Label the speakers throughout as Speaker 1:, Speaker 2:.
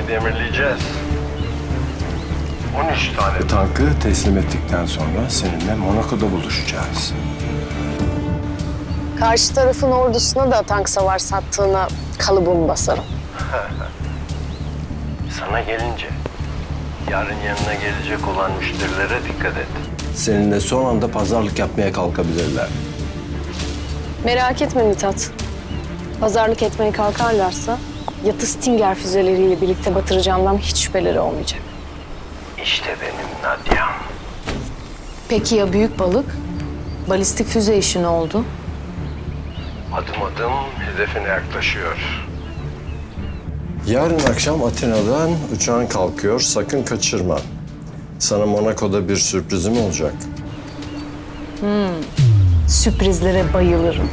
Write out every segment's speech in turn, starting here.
Speaker 1: demirleyeceğiz. 13 tane.
Speaker 2: Bu tankı teslim ettikten sonra seninle Monaco'da buluşacağız.
Speaker 3: Karşı tarafın ordusuna da tank savar sattığına kalıbımı basarım.
Speaker 1: Sana gelince, yarın yanına gelecek olan müşterilere dikkat et.
Speaker 2: Seninle son anda pazarlık yapmaya kalkabilirler.
Speaker 3: Merak etme Mithat. Pazarlık etmeye kalkarlarsa yatı Stinger füzeleriyle birlikte batıracağımdan hiç şüpheleri olmayacak.
Speaker 1: İşte benim Nadia'm.
Speaker 3: Peki ya büyük balık? Balistik füze işi ne oldu?
Speaker 1: Adım adım hedefine yaklaşıyor.
Speaker 2: Yarın akşam Atina'dan uçağın kalkıyor. Sakın kaçırma. Sana Monaco'da bir sürprizim olacak.
Speaker 3: Sürprizlere bayılırım.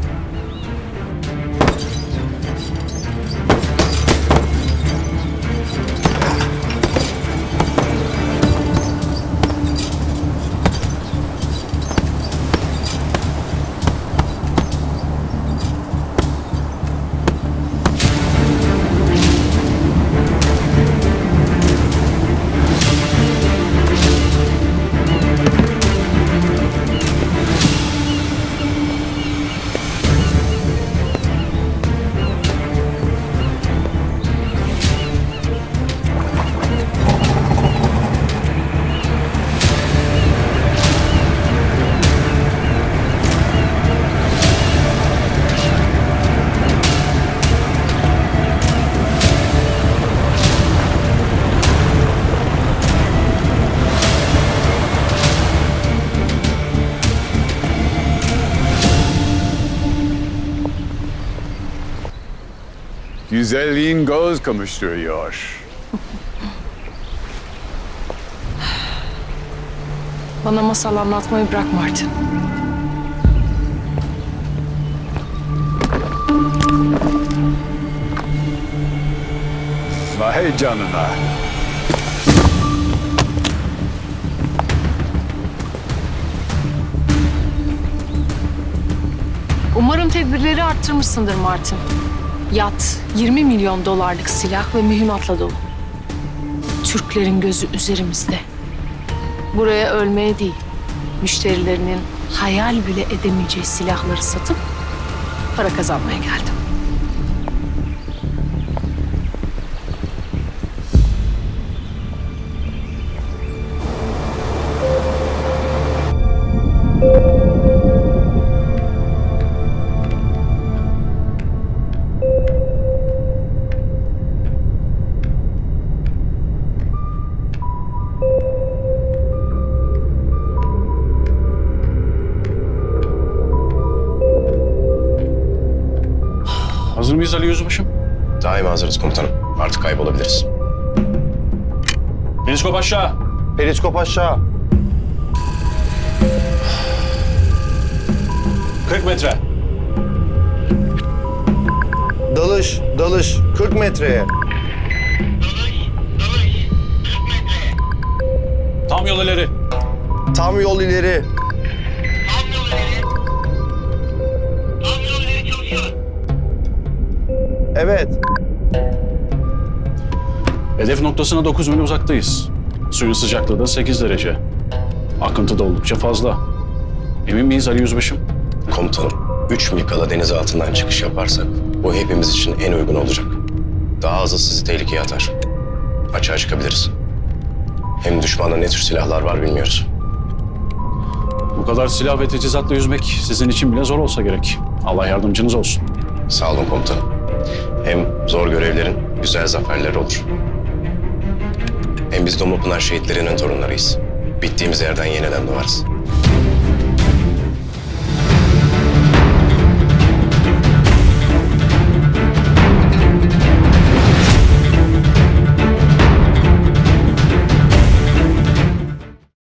Speaker 4: Güzelliğin göz kamaştırıyor.
Speaker 3: Bana masal anlatmayı bırak Martin.
Speaker 4: Vay canına.
Speaker 3: Umarım tedbirleri arttırmışsındır Martin. Yat, 20 milyon dolarlık silah ve mühimmatla dolu. Türklerin gözü üzerimizde. Buraya ölmeye değil, müşterilerinin hayal bile edemeyeceği silahları satıp para kazanmaya geldim.
Speaker 5: Hazır mıyız Ali Yüzbaşım?
Speaker 6: Daima hazırız komutanım. Artık kaybolabiliriz.
Speaker 5: Periskop aşağı.
Speaker 6: Periskop aşağı.
Speaker 5: 40 metre.
Speaker 6: Dalış 40 metreye.
Speaker 5: Tam yol ileri.
Speaker 6: Tam yol ileri. Evet.
Speaker 5: Hedef noktasına 9 mil uzaktayız. Suyun sıcaklığı da 8 derece. Akıntı da oldukça fazla. Emin miyiz Ali Yüzbaşım?
Speaker 6: Komutanım, 3 mil kala deniz altından çıkış yaparsak bu hepimiz için en uygun olacak. Daha hızlı sizi tehlikeye atar. Açığa çıkabiliriz. Hem düşmanda ne tür silahlar var bilmiyoruz.
Speaker 5: Bu kadar silah ve teçhizatla yüzmek sizin için bile zor olsa gerek. Allah yardımcınız olsun.
Speaker 6: Sağ olun komutanım. Hem zor görevlerin güzel zaferleri olur. Hem biz Domlupınar şehitlerinin torunlarıyız. Bittiğimiz yerden yeniden doğarız.